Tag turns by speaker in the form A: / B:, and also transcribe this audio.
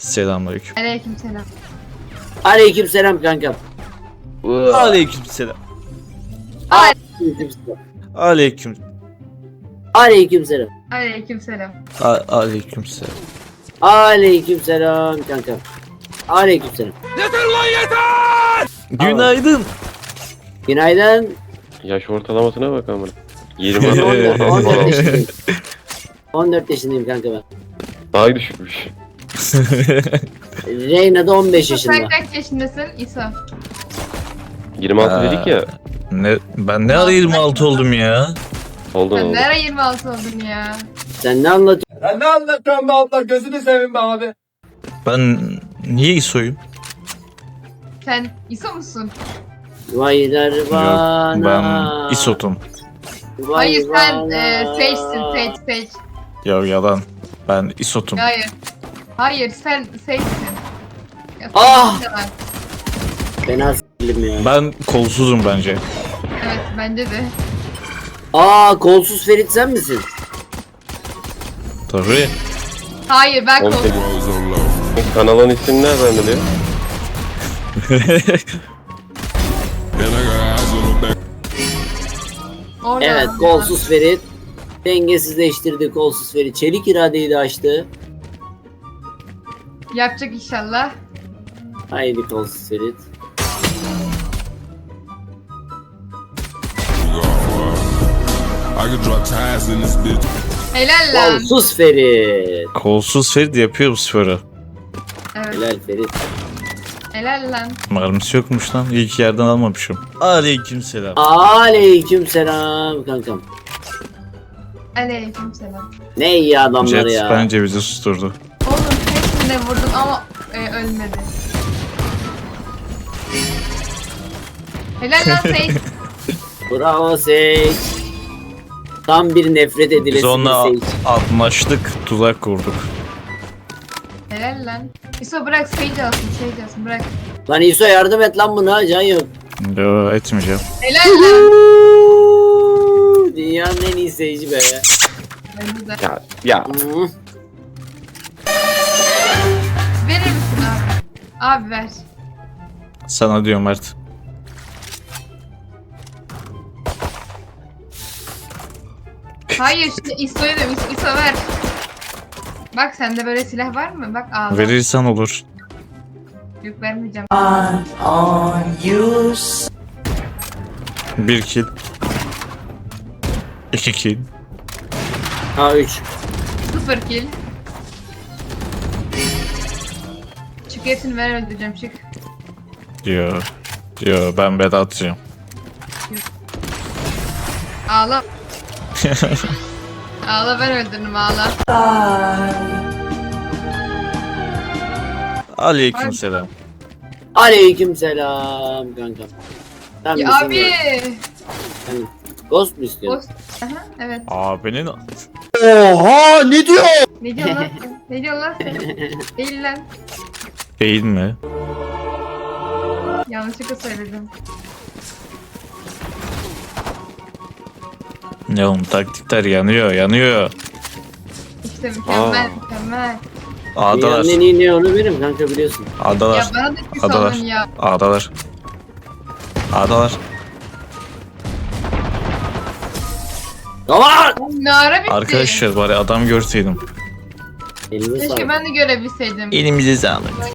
A: Selamünaleyküm.
B: Aleykümselam.
C: Aleykümselam kankam.
A: Aleykümselam.
C: Aleykümselam.
A: Aleyküm.
C: Aleykümselam.
B: Aleykümselam.
A: Aleykümselam.
C: Aleykümselam kankam. Aleykümselam.
A: Günaydın.
C: Günaydın.
D: Yaş ortalamasına bak amına. 20
C: 14 yaşındayım. 14 yaşındayım kanka ben.
D: daha düşükmüş.
C: Reyna da 15 yaşında.
B: Sen kaç yaşındasın İsa?
D: 26 dedik ya.
A: Ben ne ara 26 oldum ya?
D: Oldu
B: Sen
D: oldu.
B: ne ara 26 oldun ya?
C: Sen ne anlatıyorsun?
E: Ya ne anlatıyorsun be abla, gözünü seveyim be abi.
A: Ben niye İso'yum?
B: Sen İsa musun?
C: Vaylar
A: Yok,
C: bana.
A: ben İsot'um.
C: Vay
B: Hayır sen
C: bana.
B: Sage'sin Sage.
A: Ya yalan. Ben İsot'um.
B: Hayır. Hayır sen Sage'sin. Ya,
C: Ah!
B: yalan.
C: Fena s**lim ya.
A: Ben kolsuzum bence.
B: Evet bence de.
C: Kolsuz Ferit sen misin?
A: Tabii.
B: Hayır ben
D: 18.
B: korktum.
D: Kanalın ismini nereden biliyor?
B: Orada.
C: Evet, kolsuz Ferit. Dengesizleştirdi kolsuz Ferit. Çelik iradeyi de açtı.
B: Yapacak inşallah.
C: Haydi kolsuz Ferit.
F: I could drop ties in this bitch.
B: Helal lan.
C: Kolsuz Ferit.
A: Kolsuz Ferit yapıyor bu sporu.
B: Evet.
C: Helal Ferit.
B: Helal lan.
A: Mermisi yokmuş lan. İyi ki yerden almamışım. Aleykümselam.
C: Aleykümselam kankam.
B: Aleykümselam.
C: Ne iyi adamlar
A: Jet
C: ya.
A: bence bizi susturdu.
B: Oğlum hepsine vurdum ama ölmedi. Helal lan Sage.
C: Bravo Sage. Tam bir nefret
A: Biz
C: edilesi
A: onunla
C: bir Sage.
A: anlaştık, tuzak kurduk.
B: Helal lan. İso bırak Sage alsın bırak.
C: Lan İso yardım et lan buna. Can yok.
A: Yo, etmeyeceğim.
B: Helal lan.
C: Dünyanın en iyi Sage'i be.
B: Bence de.
D: Ya
C: Hı.
B: Verir misin abi? Abi ver.
A: Sana diyorum Mert.
B: Hayır şimdi İso'ya diyorum İso ver. Bak sende böyle silah var mı? Bak ağla.
A: Verirsen olur.
B: Yok vermeyeceğim.
A: 1 kill. 2 kill.
C: Ha 3.
B: 0 kill. Çık hepsini ver öldüreceğim çık.
A: Yo ben beda atacağım.
B: Ağla. Ağla ben öldürdüm ağla.
A: Aleykümselam.
C: Aleykümselam kankam. Sen
B: Ya
C: misin
B: abi.
C: ya? Sen Ghost mu istiyorsun?
B: Ghost. Aha, evet.
A: Abinin
C: Oha ne diyor?
B: Ne diyorsun lan sen? Ne diyorsun lan sen? Değil lan.
A: değil mi?
B: Yanlışlıkla söyledim.
A: Ne oğlum taktikler yanıyor.
B: İşte mükemmel
D: Aa.
B: mükemmel.
A: A'dalar.
C: Dünyanın en iyi ne onu benim kanka biliyorsun.
B: Ya
A: A'dalar.
B: bana da bir
A: A'dalar.
B: salın ya.
A: A'dalar. A'dalar.
C: Tamam.
B: Ne ara bitti?
A: Arkadaşlar bari adam görseydim.
C: Elime
B: Keşke
C: sağlık.
B: ben de görebilseydim.
A: Elimize sağlık.